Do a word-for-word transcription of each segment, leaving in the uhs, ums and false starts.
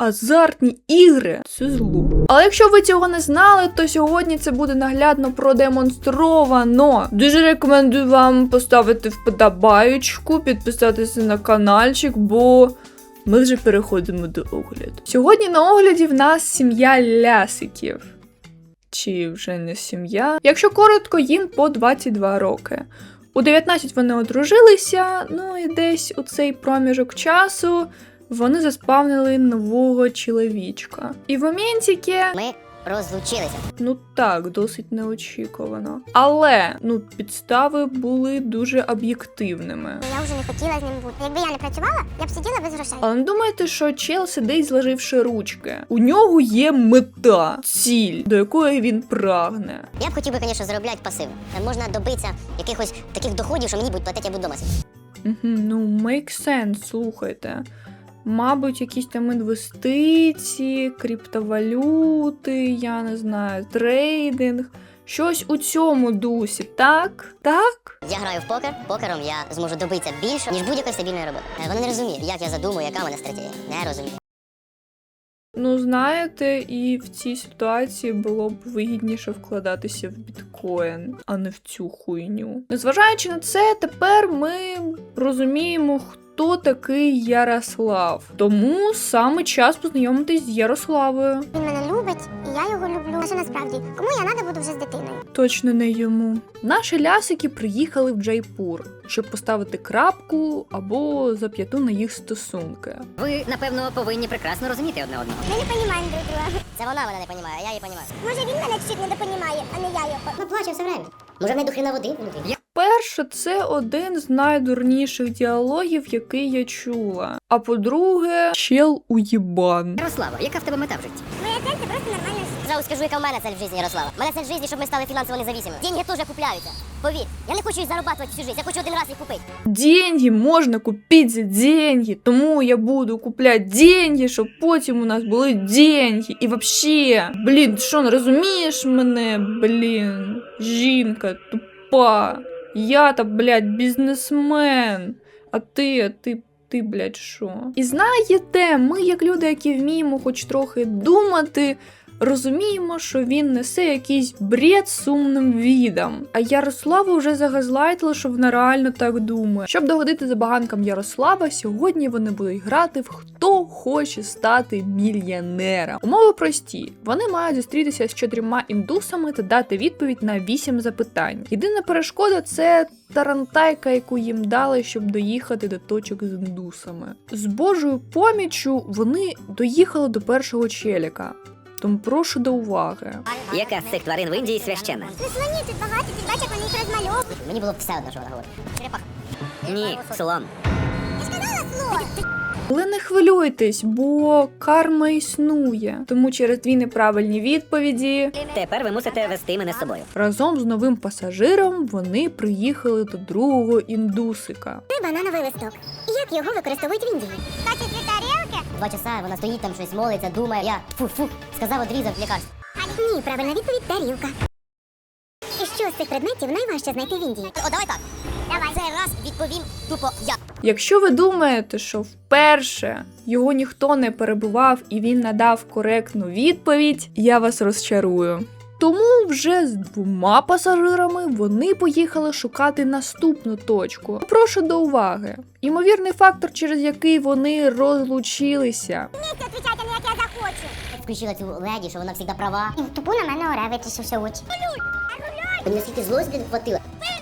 азартні ігри – це зло. Але якщо ви цього не знали, то сьогодні це буде наглядно продемонстровано. Дуже рекомендую вам поставити вподобаєчку, підписатися на каналчик, бо ми вже переходимо до огляду. Сьогодні на огляді в нас сім'я лясиків. Чи вже не сім'я? Якщо коротко, їм по двадцять два роки. У дев'ятнадцять вони одружилися, ну і десь у цей проміжок часу вони заспавнили нового чоловічка. І в моментіки... Ми розлучилися. Ну так, досить неочікувано. Але, ну, підстави були дуже об'єктивними. Я вже не хотіла з ним бути. Якби я не працювала, я б сиділа без грошей. Але не думайте, що чел сидить, зложивши ручки. У нього є мета, ціль, до якої він прагне. Я б хотів би, звісно, заробляти пасивно. Можна добитися якихось таких доходів, що мені будуть платити, я буду вдома сидіти. Угу, ну, make sense, слухайте. Мабуть, якісь там інвестиції, криптовалюти, я не знаю, трейдинг. Щось у цьому дусі, так? Так? Я граю в покер. Покером я зможу добитися більше, ніж будь-якої стабільної роботи. Вони не розуміють, як я задумую, яка в мене стратегія. Не розумію. Ну, знаєте, і в цій ситуації було б вигідніше вкладатися в біткоін, а не в цю хуйню. Незважаючи на це, тепер ми розуміємо, хто такий Ярослав. Тому саме час познайомитись з Ярославою. Він мене любить, і я його люблю. А що насправді, кому я надо буду вже з дитиною? Точно не йому. Наші лясики приїхали в Джайпур, щоб поставити крапку або зап'яту на їх стосунки. Ви, напевно, повинні прекрасно розуміти одне одного. Ми не розуміємо друг друга. Це вона мене не розуміє, а я її розумію. Може він мене чуть не допонімає, а не я його. Ми плачемо все время. Може в неї до хрена води внутрі? Перше, це один з найдурніших діалогів, який я чула. А по-друге, чел уєбан. Ярослава, яка в тебе мета в житті? Моя цель це просто нормально жити. Зразу скажу, яка в мене цель в житті, Ярослава. У мене цель в житті, щоб ми стали фінансово независимими. Деньги теж купляються. Повір, я не хочу їх заробляти всю життя, я хочу один раз їх купити. Деньги можна купити за деньги, тому я буду купляти деньги, щоб потім у нас були деньги. І вообще, блін, що, не розумієш мене, блін, жінка тупа. Я-то, блядь, бізнесмен, а ти, а ти, ти, блядь, що? І знаєте, ми, як люди, які вміємо хоч трохи думати, розуміємо, що він несе якийсь бред сумним відом. А Ярослава вже загазлайтила, що вона реально так думає. Щоб догодити забаганкам Ярослава, сьогодні вони будуть грати в «Хто хоче стати мільйонером». Умови прості. Вони мають зустрітися з чотирма індусами та дати відповідь на вісім запитань. Єдина перешкода – це тарантайка, яку їм дали, щоб доїхати до точок з індусами. З Божою поміччю вони доїхали до першого челіка. Тому прошу до уваги. Яка з цих тварин в Індії священна? Ну слоні тут багато, ти бачиш, як вони їх розмальовують. Мені було б все одно, що вона говорить. Черепаха. Ні, слон. Я сказала слон. Але не хвилюйтесь, бо карма існує. Тому через дві неправильні відповіді Тепер ви мусите вести мене з собою. разом з новим пасажиром вони приїхали до другого індусика. Це банановий листок. Як його використовують в Індії? Бачиш дві тарілки? Два часа вона стоїть там, щось молиться, думає. Я фу-фу, сказав, одрізав лікарство. Ні, правильна відповідь – тарілка. І що з цих предметів найважче знайти в Індії? О, давай так. Давай. Цей раз відповім тупо я. Якщо ви думаєте, що вперше його ніхто не перебивав і він надав коректну відповідь, я вас розчарую. Тому вже з двома пасажирами вони поїхали шукати наступну точку. Прошу до уваги. Імовірний фактор, через який вони розлучилися. Вмісті відповідати, а не як я захочу. Включила цю леді, що вона завжди права. І тупу на мене оре витрішився очі. Мені наскільки злості, блін, хватило.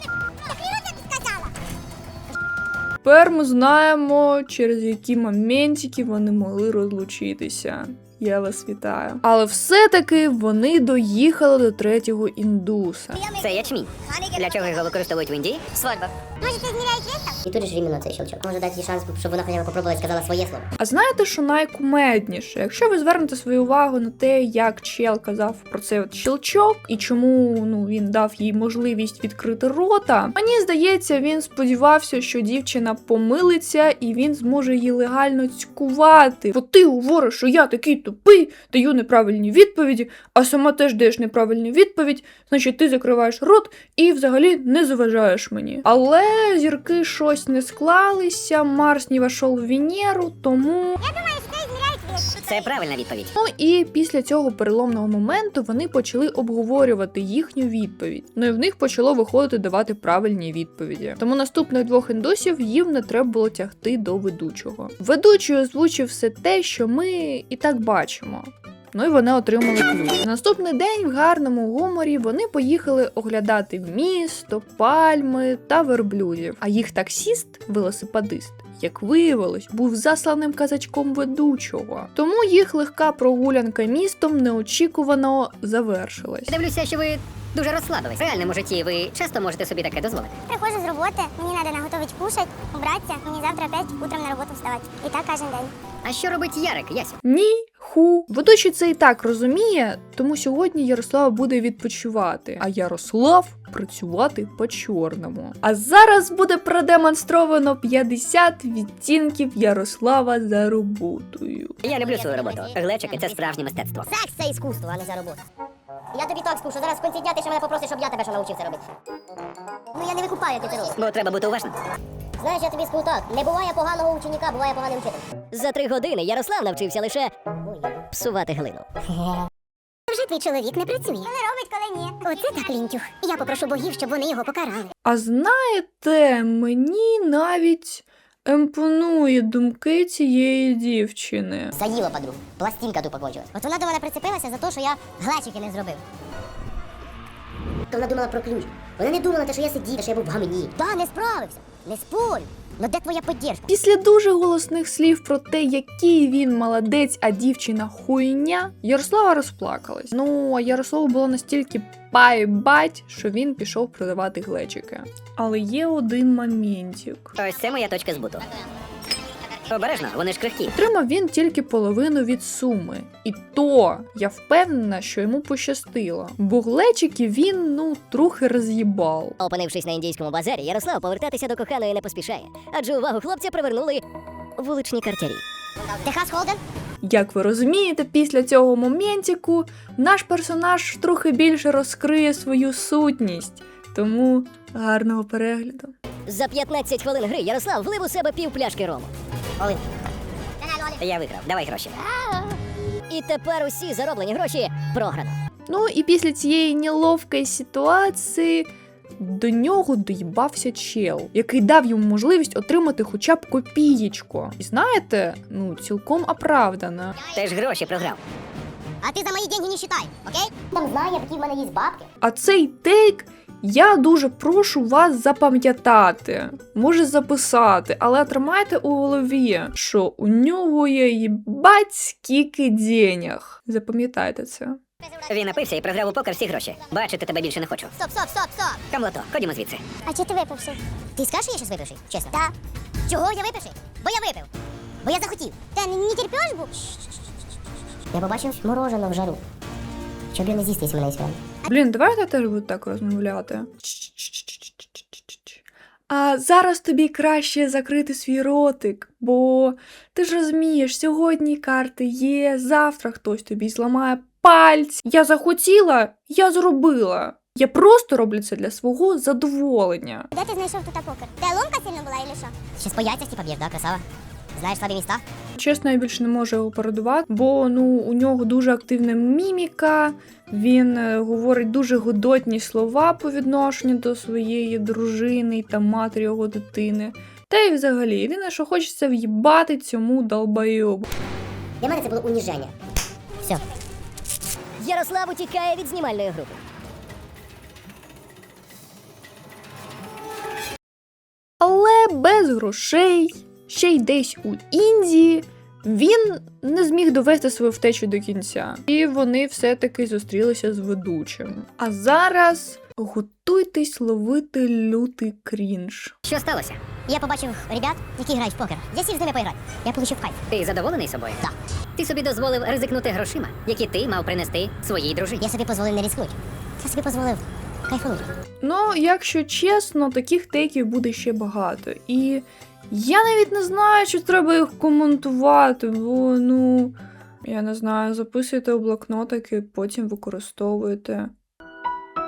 Тепер ми знаємо, через які моментики вони могли розлучитися. Я вас вітаю. Але все-таки вони доїхали до третього індуса. Це ячмінь. Для чого його використовують в Індії? Свадьба. Може, це зміряють вистав? І тут же ж іменно цей щелчок. Може дати їй шанс, щоб вона хоча б попробувала і сказала своє слово. А знаєте, що найкумедніше? Якщо ви звернете свою увагу на те, як чел казав про цей от щелчок, і чому ну, він дав їй можливість відкрити рота, мені здається, він сподівався, що дівчина помилиться і він зможе її легально цькувати. Бо ти говориш, що я такий тупий, даю неправильні відповіді, а сама теж даєш неправильну відповідь, значить ти закриваєш рот і взагалі не заважаєш мені. Але зірки щось не склалися, Марс не вошов в Венеру, тому... Я думаю, що це зміряють Це правильна відповідь. Ну і після цього переломного моменту вони почали обговорювати їхню відповідь. Ну і в них почало виходити давати правильні відповіді. Тому наступних двох індусів їм не треба було тягти до ведучого. Ведучий озвучив все те, що ми і так бачимо. Ну і вони отримали ключ. На наступний день в гарному гуморі вони поїхали оглядати місто, пальми та верблюдів. А їх таксіст, велосипедист, як виявилось, був засланим казачком ведучого. Тому їх легка прогулянка містом неочікувано завершилась. Дивлюся, що ви дуже розслабились. В реальному житті ви часто можете собі таке дозволити. Приходжу з роботи, мені треба наготовити кушать, убратися, мені завтра опять утром на роботу вставати. І так кожен день. А що робить Ярик, Ясю? Ні, ху. Ведучий це і так розуміє, тому сьогодні Ярослава буде відпочивати, а Ярослав працювати по-чорному. А зараз буде продемонстровано п'ятдесят відтінків Ярослава за роботою. Я люблю свою роботу. Глечики – це справжнє мистецтво. Секс це іскусство, а не заробота. Я тобі так скажу, що зараз в кінці дня ти ще мене попросиш, щоб я тебе що навчив це робити. Ну я не викупаю, як ти це робиш. Бо треба бути уважним. Знаєш, я тобі скажу так, не буває поганого ученика, буває поганий вчитель. За три години Ярослав навчився лише псувати глину. Вже твій чоловік не працює. Коли робить, коли ні. Оце так лінтюх. Я попрошу богів, щоб вони його покарали. А знаєте, мені навіть імпонує думки цієї дівчини. Заїла подругу, пластинка тупо кончилась. От вона до мене прицепилася за те, що я глечики не зробив. То вона думала про ключ. Вона не думала, те, що я сидів, що я був в гамені. Та, не справився, не спорю. Ну де твоя підтримка? Після дуже голосних слів про те, який він молодець, а дівчина хуйня, Ярослава розплакалась. Ну, а Ярославу було настільки пай-бать, що він пішов продавати глечики. Але є один моментик. Ось це моя точка збуту. Обережно, вони ж крихкі. Отримав він тільки половину від суми. І то, я впевнена, що йому пощастило. Бо глечики він, ну, трохи роз'їбав. Опинившись на індійському базарі, Ярослав повертатися до коханої не поспішає. Адже увагу хлопця привернули вуличні картярі. Техас Холден? Як ви розумієте, після цього моментику наш персонаж трохи більше розкриє свою сутність. Тому гарного перегляду. За п'ятнадцять хвилин гри Ярослав влив у себе пів пляшки рому. Олин. Я виграв, давай гроші. І тепер усі зароблені гроші програно. Ну і після цієї неловкої ситуації до нього доїбався чел, який дав йому можливість отримати хоча б копієчку. І знаєте, ну цілком оправдано. Ти ж гроші програв. А ти за мої деньги не считай, окей? Там знає, які в мене є бабки. А цей тейк я дуже прошу вас запам'ятати, може записати, але тримайте у голові, що у нього є їбать скільки денег. Запам'ятайте це. Він напився і програв у покер всі гроші. Бачити тебе більше не хочу. Стоп, стоп, стоп, стоп. Камлото, ходімо звідси. А чи ти випивши? Ти скажеш, що я щось випивший? Чесно? Так. Чого я випивший? Бо я випив. Бо я захотів. Та не терпеш був? Я побачив мороженое в жару. Щоб я не з'їсти, якщо мене є свято. Блін, давайте теж буду так розмовляти. А зараз тобі краще закрити свій ротик, бо ти ж розумієш, сьогодні карти є, завтра хтось тобі зламає пальці. Я захотіла, я зробила. Я просто роблю це для свого задоволення. Де ти знайшов тут покер? Де ломка сильно була, или що? Щас по яйцях типа б'єш, да, красава? Знаєш слабі міста? Чесно, я більше не можу його передувати, бо ну, у нього дуже активна міміка, він е, говорить дуже годотні слова по відношенню до своєї дружини та матері його дитини. Та й взагалі, єдине, що хочеться в'їбати цьому долбойобу. Для мене це було уніження. Все. Ярослав утікає від знімальної групи. Але без грошей, ще й десь у Індії, він не зміг довести свою втечу до кінця. І вони все-таки зустрілися з ведучим. А зараз готуйтесь ловити лютий крінж. Що сталося? Я побачив ребят, які грають в покер. Я сів з ними поіграти. Я получив кайф. Ти задоволений собою? Так. Ти собі дозволив ризикнути грошима, які ти мав принести своїй дружині. Я собі дозволив не ризикнути. Я собі дозволив кайфанути. Ну, якщо чесно, таких тейків буде ще багато. І я навіть не знаю, чи треба їх коментувати, бо, ну, я не знаю, записуйте у блокнотики, потім використовуєте.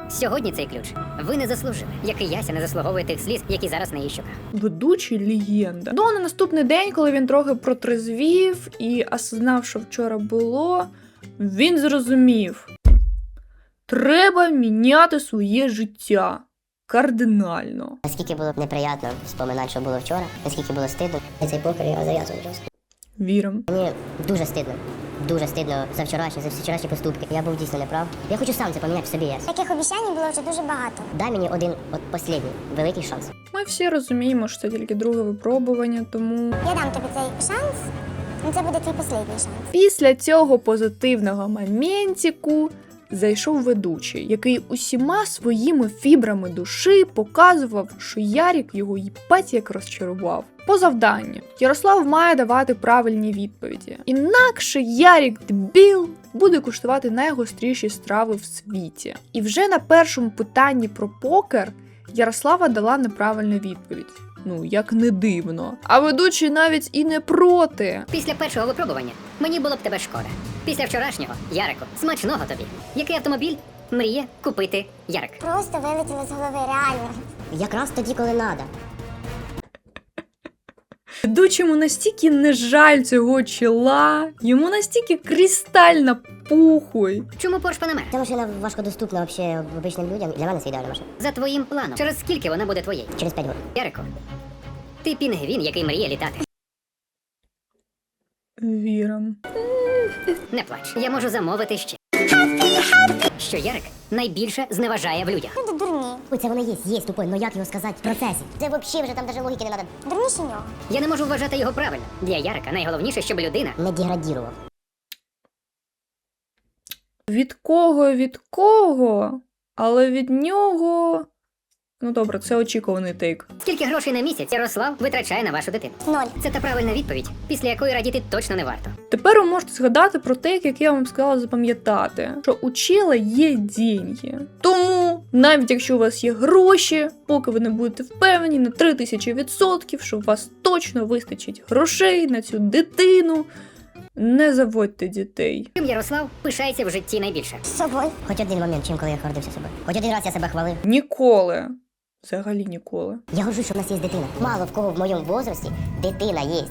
Сьогодні цей ключ ви не заслужили, як і Яся не заслуговує тих сліз, які зараз на її щоках. Ведучий легенда. Ну, а на наступний день, коли він трохи протрезвів і осознав, що вчора було, він зрозумів. Треба міняти своє життя. Кардинально. Наскільки було б неприємно вспоминати, що було вчора, наскільки було стидно. І цей покер я зав'язую просто. Вірим. Мені дуже стидно. Дуже стидно за вчорашні, за всі вчорашні поступки. Я був дійсно неправ. Я хочу сам це поміняти в собі. Я. Таких обіцянь було вже дуже багато. Дай мені один от останній великий шанс. Ми всі розуміємо, що це тільки друге випробування, тому Я дам тобі цей шанс, і це буде твій останній шанс. після цього позитивного моментику зайшов ведучий, який усіма своїми фібрами душі показував, що Ярік його їбать як розчарував. По завданню Ярослав має давати правильні відповіді. Інакше Ярік дебіл буде куштувати найгостріші страви в світі. І вже на першому питанні про покер Ярослава дала неправильну відповідь. Ну, як не дивно. А ведучий навіть і не проти. Після першого випробування мені було б тебе шкода. Після вчорашнього, Ярику, смачного тобі. Який автомобіль мріє купити Ярик? Просто вилетіло з голови, реально. Якраз тоді, коли треба. Ведучому настільки не жаль цього чола, йому настільки кристально похуй. Чому Порш Панамера? Ця машина важкодоступна взагалі обичним людям. Для мене це ідеальна машина. За твоїм планом. Через скільки вона буде твоєю? Через п'ять років. Ярику, ти пінгвін, який мріє літати. Віром. Не плач, я можу замовити ще. Що Ярик найбільше зневажає в людях. Люди дурні. Ой, це воно є, є тупой, ну як його сказати в процесі? Це взагалі вже там навіть логіки не треба. Дурніші нього. Я не можу вважати його правильно. Для Ярика найголовніше, щоб людина Не деградірував. Від кого, від кого? Але від нього. Ну добре, це очікуваний тейк. скільки грошей на місяць Ярослав витрачає на вашу дитину. Ноль. Це та правильна відповідь, після якої радіти точно не варто. Тепер ви можете згадати про тейк, який я вам сказала запам'ятати, що у чела є деньги. Тому, навіть якщо у вас є гроші, поки ви не будете впевнені на три тисячі відсотків, що у вас точно вистачить грошей на цю дитину, не заводьте дітей. Чим Ярослав пишається в житті найбільше? З собою. Хоч один момент, чим коли я гордився себе. Хоч один раз я себе хвалив. Ніколи. Взагалі ніколи. Я горжусь, що в нас є дитина. Мало в кого в моєму возрасті дитина є.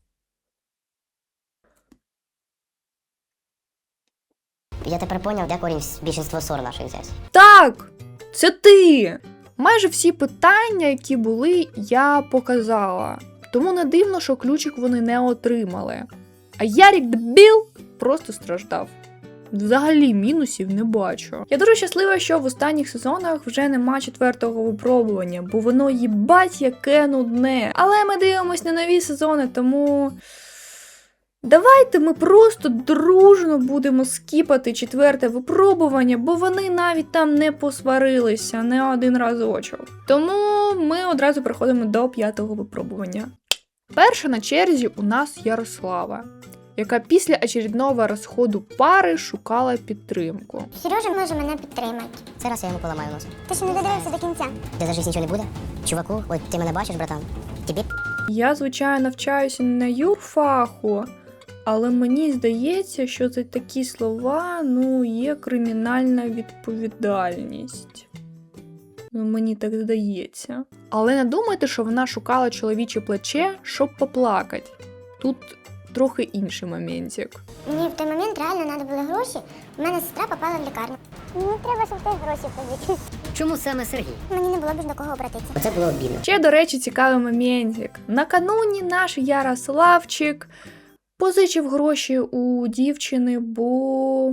Я тепер поняв, де корінь більшинства ссор наших взявся. Так, це ти! Майже всі питання, які були, я показала. Тому не дивно, що ключик вони не отримали. А Ярік дебіл просто страждав. Взагалі мінусів не бачу. Я дуже щаслива, що в останніх сезонах вже нема четвертого випробування, бо воно їбать яке нудне. Але ми дивимось на нові сезони, тому давайте ми просто дружно будемо скіпати четверте випробування, бо вони навіть там не посварилися не один разочок. Тому ми одразу переходимо до п'ятого випробування. Перша на черзі у нас Ярослава, яка після очередного розходу пари шукала підтримку. Сережа може мене підтримати. Це раз я йому поламаю нос. Ти ще не додивився до кінця. Де за життя нічого не буде? Чуваку, от ти мене бачиш, братан? Тобі Я, звичайно, навчаюся не на юрфаху, але мені здається, що за такі слова, ну, є кримінальна відповідальність. Ну, мені так здається. Але не думайте, що вона шукала чоловіче плече, щоб поплакати. Тут трохи інший моментик. Мені в той момент реально треба були гроші. У мене сестра попала в лікарню. Мені треба, щоб ти гроші позичив. Чому саме Сергій? Мені не було б до кого обратитися. Оце було обідно. Ще, до речі, цікавий моментик. Накануні наш Ярославчик позичив гроші у дівчини, бо...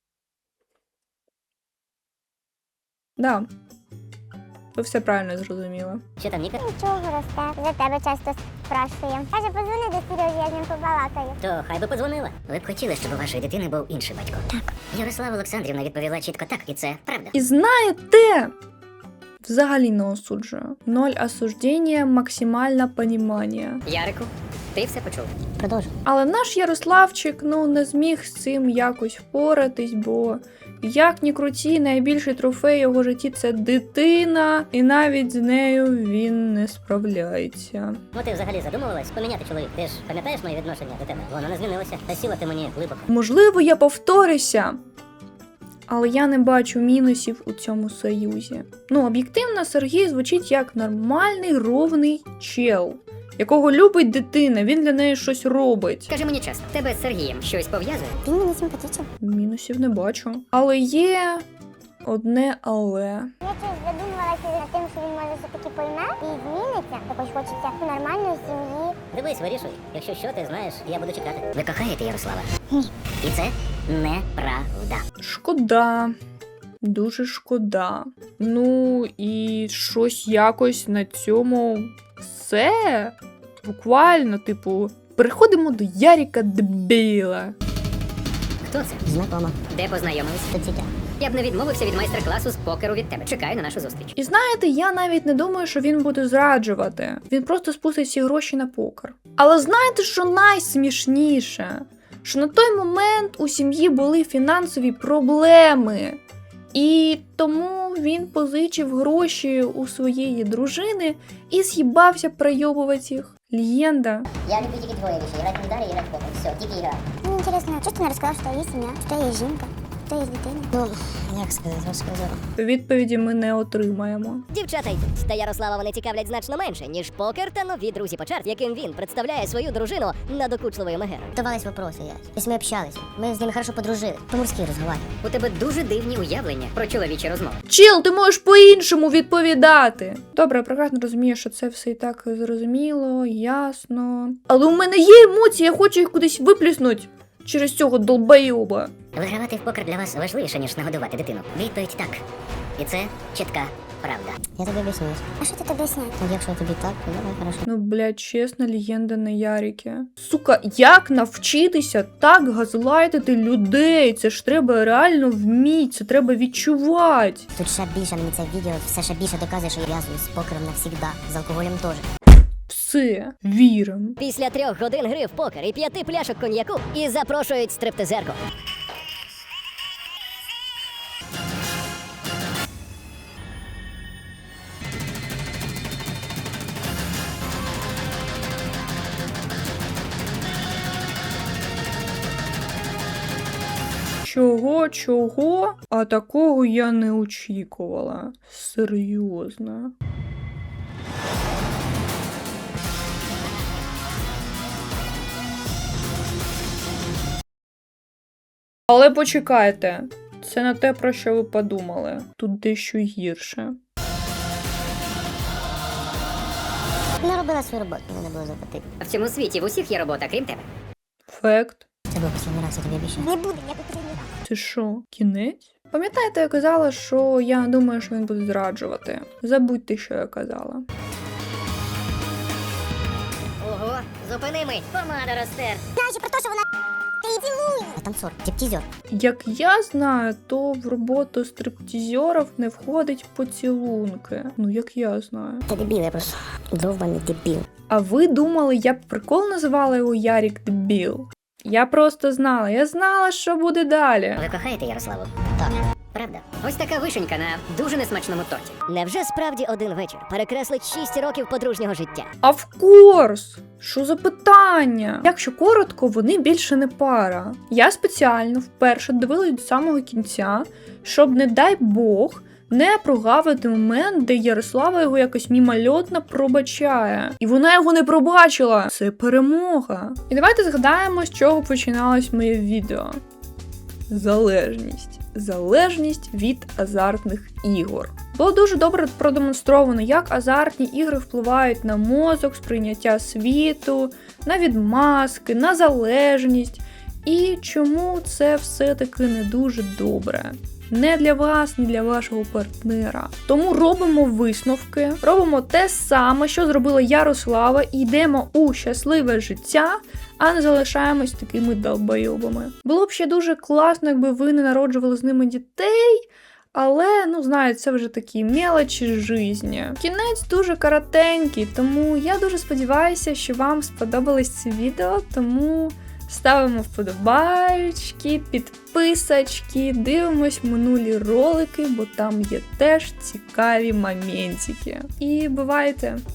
Да. Ви все правильно зрозуміли. Що там, Ніка? Нічого, росте. За тебе часто спрашує. Каже, позвони до Сережі, я з ним побалакаю. То хай би подзвонила. Ви б хотіли, щоб у вашої дитини був інший батько? Так. Ярослава Олександрівна відповіла чітко так, і це правда. І знаєте, взагалі не осуджую. Ноль осуждення, максимальне понімання. Ярику, ти все почув? Продовжуй. Але наш Ярославчик, ну, не зміг з цим якось впоратись, бо як ні круті, найбільший трофей його житті – це дитина, і навіть з нею він не справляється. Ну ти взагалі задумувалась поміняти чоловік? Ти ж пам'ятаєш моє відношення до тебе? Воно не змінилося. Та сіла ти мені глибоко. Можливо, я повторюся, Але я не бачу мінусів у цьому союзі. Ну, об'єктивно, Сергій звучить як нормальний, ровний чел, якого любить дитина, він для неї щось робить. Скажи мені чесно, тебе з Сергієм щось пов'язує? Він мені симпатичний. Мінусів не бачу. Але є одне але. Я щось задумувалася над тим, що він може все-таки пойме і зміниться. Також хочеться нормальної сім'ї. Дивись, вирішуй. Якщо що, ти знаєш, я буду чекати. Ви кохаєте Ярослава? Ні. І це неправда. Шкода. Дуже шкода. Ну і щось якось на цьому все. Буквально, типу, переходимо до Ярика Дебіла. Хто це? Знакома. Де познайомились? Соцсетях. Я б не відмовився від майстер-класу з покеру від тебе. Чекаю на нашу зустріч. І знаєте, я навіть не думаю, що він буде зраджувати. Він просто спустить всі гроші на покер. Але знаєте, що найсмішніше? Що на той момент у сім'ї були фінансові проблеми. І тому він позичив гроші у своєї дружини і з'їбався пройобувати їх. Легенда. Я люблю тільки двоє речей. Грати в ударі і грати в покер. Все, тільки грати. Мені цікаво, чого ти не розказав, що є сім'я, що є жінка, що є дитина? Ну, як сказати, розказав. Відповіді ми не отримаємо. Дівчата йдуть, та Ярослава вони цікавлять значно менше, ніж покер та нові друзі по чарт, яким він представляє свою дружину надокучливою Мегерою. Давались вопроси, я. Тобто ми общались. Ми з ними хорошо подружили. По-морськи розговорювали. У тебе дуже дивні уявлення про чоловічі розмови. Чіл, ти можеш по-іншому відповідати. Добре, я прекрасно розумію, що це все і так зрозуміло, ясно. Але у мене є емоції, я хочу їх кудись виплюснути через цього долбойоба. Вигравати в покер для вас важливіше, ніж нагодувати дитину. Відповідь так. І це чітка правда. Я тобі об'ясню. А що ти тобі об'ясняєш? Ну, якщо тобі так, то давай, хорошо. Ну, блядь, чесно, легенда на Ярике. Сука, як навчитися так газлайтити людей? Це ж треба реально вміти, це треба відчувати. Тут ще більше мені це відео, все ще більше доказує, що я в'язую з покером навсігда. З алкоголем теж. Все, вірим. Після трьох годин гри в покер і п'яти пляшок коньяку і запрошують стриптизерку. Чого, чого? А такого я не очікувала. Серйозно. Але почекайте, це не те, про що ви подумали. Тут дещо гірше. Не робила свою роботу, не було заплатити. В цьому світі в усіх є робота, крім тебе. Факт. Це був останній раз, я тобі обіцяю. Не буде, я потрібний раз. Це що, кінець? Пам'ятаєте, я казала, що я думаю, що він буде зраджувати. Забудьте, що я казала. Ого, зупини мить, помада розтер. Знаєш про те, що вона ти її цілує. А танцор, тіптізер. Як я знаю, то в роботу стриптизерів не входить поцілунки. Ну, як я знаю. Ти дебіл, я просто довбаний дебіл. А ви думали, я б прикол називала його Ярик Дебіл? Я просто знала, я знала, що буде далі. Ви кохаєте Ярославу? Так. Правда? Ось така вишенька на дуже несмачному торті. Невже справді один вечір перекреслить шість років подружнього життя? Of course! Що за питання? Якщо коротко, вони більше не пара. Я спеціально вперше дивилась до самого кінця, щоб, не дай Бог, не прогавити момент, де Ярослава його якось мімольотно пробачає. І вона його не пробачила. Це перемога. І давайте згадаємо, з чого починалось моє відео. Залежність. Залежність від азартних ігор. Було дуже добре продемонстровано, як азартні ігри впливають на мозок, сприйняття світу, на відмазки, на залежність. І чому це все-таки не дуже добре. Не для вас, ні для вашого партнера. Тому робимо висновки, робимо те саме, що зробила Ярослава, і йдемо у щасливе життя, а не залишаємось такими долбойобами. Було б ще дуже класно, якби ви не народжували з ними дітей, але, ну, знаєте, це вже такі мелочі житті. Кінець дуже коротенький, тому я дуже сподіваюся, що вам сподобалось це відео, тому ставимо вподобайки, підписочки, дивимось минулі ролики, бо там є теж цікаві моментики. І бувайте!